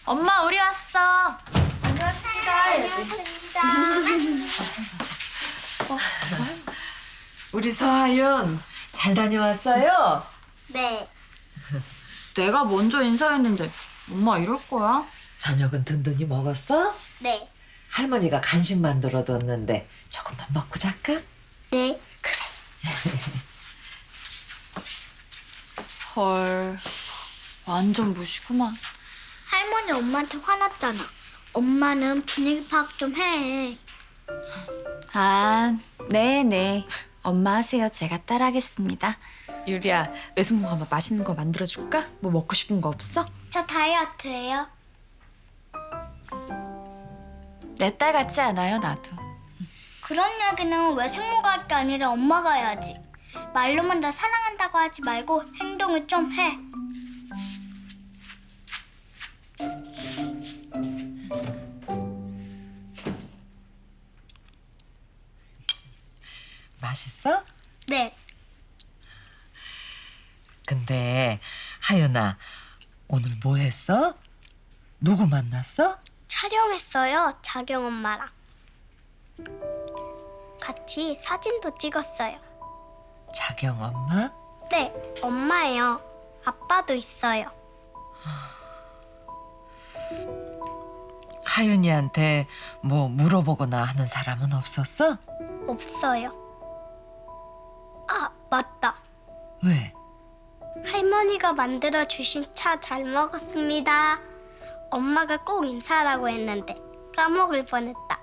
엄마 우리 왔어. 안녕하십니까. 우리 서하윤 잘 다녀왔어요? 네. 내가 먼저 인사했는데 엄마 이럴 거야? 저녁은 든든히 먹었어? 네. 할머니가 간식 만들어뒀는데 조금만 먹고 잘까? 네. 헐, 완전 무시구만. 할머니 엄마한테 화났잖아. 엄마는 분위기 파악 좀 해. 아, 네네. 엄마 하세요. 제가 따라하겠습니다. 유리야, 외숙모가 뭐 맛있는 거 만들어줄까? 뭐 먹고 싶은 거 없어? 저 다이어트예요. 내 딸 같지 않아요, 나도. 그런 얘기는 외숙모가 할 게 아니라 엄마가 해야지. 말로만 나 사랑한다고 하지 말고 행동을 좀 해. 맛있어? 네. 근데 하윤아 오늘 뭐 했어? 누구 만났어? 촬영했어요. 자경 엄마랑. 같이 사진도 찍었어요. 자경 엄마? 네, 엄마예요. 아빠도 있어요. 하윤이한테 뭐 물어보거나 하는 사람은 없었어? 없어요. 아, 맞다. 왜? 할머니가 만들어 주신 차 잘 먹었습니다. 엄마가 꼭 인사하라고 했는데 까먹을 뻔했다.